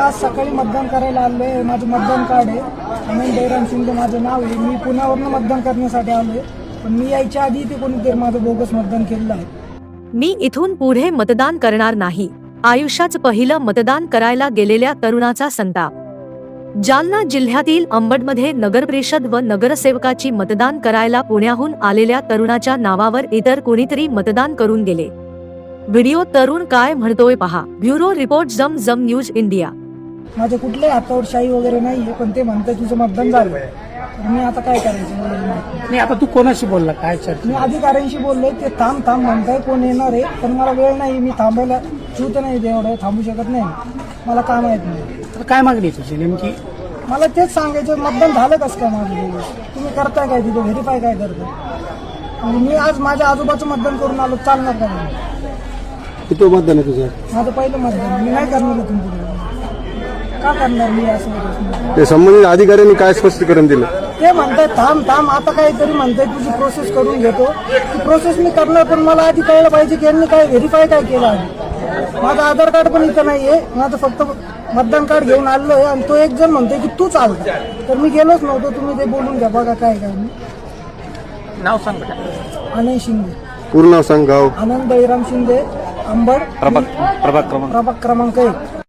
आज सकाळी मतदान करायला आलोय. माझं मतदान कार्ड आहे. आनंद बैराम शिंदे माझं नाव आहे. मी पुण्यावरून मतदान करण्यासाठी आलोय. पण मी यायच्या आधी ते कोणीतरी माझं बोगस मतदान केलेलं आहे. मी इथून पुढे मतदान करणार नाही. आयुष्याचं पहिलं मतदान करायला गेलेल्या तरुणाचा संताप. जालना जिल्ह्यातील अंबडमध्ये नगरपरिषद व नगरसेवकाची मतदान करायला पुण्याहून आलेल्या तरुणाच्या नावावर इतर कोणीतरी मतदान करून गेले. व्हिडिओ तरुण काय म्हणतोय पहा. ब्युरो रिपोर्ट जम न्यूज इंडिया. माझ्या कुठल्याही हातावर शाही वगैरे नाहीये, पण ते म्हणतात तुझं मतदान झालं. तर मी आता काय करायचं मला माहित नाही. आता तू कोणाशी बोलला, काय चर्चा? मी अधिकाऱ्यांशी बोललोय. ते थांब म्हणताय, कोण येणार आहे, पण मला वेळ नाही. मी थांबायला चूत नाही, एवढं थांबू शकत नाही. मला काम माहित नाही. तर काय मागणी आहे तुझी नेमकी? मला तेच सांगायचं, मतदान झालं कसं काय माझं? तुम्ही करताय काय तिथे, व्हेरीफाय काय करताय? आणि मी आज माझ्या आजोबाचं मतदान करून आलो, चालणार का नाही? किती मतदान आहे तुझं? माझं पहिलं मतदान. मी नाही करणार इथून पुढे. का करणार मी असं? ते संबंधित अधिकाऱ्यांनी काय स्पष्टीकरण दिलं? ते म्हणतात थांब आता काहीतरी म्हणताय तुझी प्रोसेस करून घेतो. ती प्रोसेस मी करणार, पण मला आधी कळलं पाहिजे की यांनी काय व्हेरीफाय काय केलं आहे. माझं आधार कार्ड पण इथं नाहीये. माझं फक्त मतदान कार्ड घेऊन आलो आहे. आणि तो एक जण म्हणतोय की तू चालतो, तर मी गेलोच नव्हतो. तुम्ही ते बोलून घ्या, बघा काय नाव सांग. आनंद शिंदे. पूर्ण नाव सांग. गाव? आनंद बैराम शिंदे, अंबड, प्रभाग क्रमांक प्रभाग क्रमांक 1.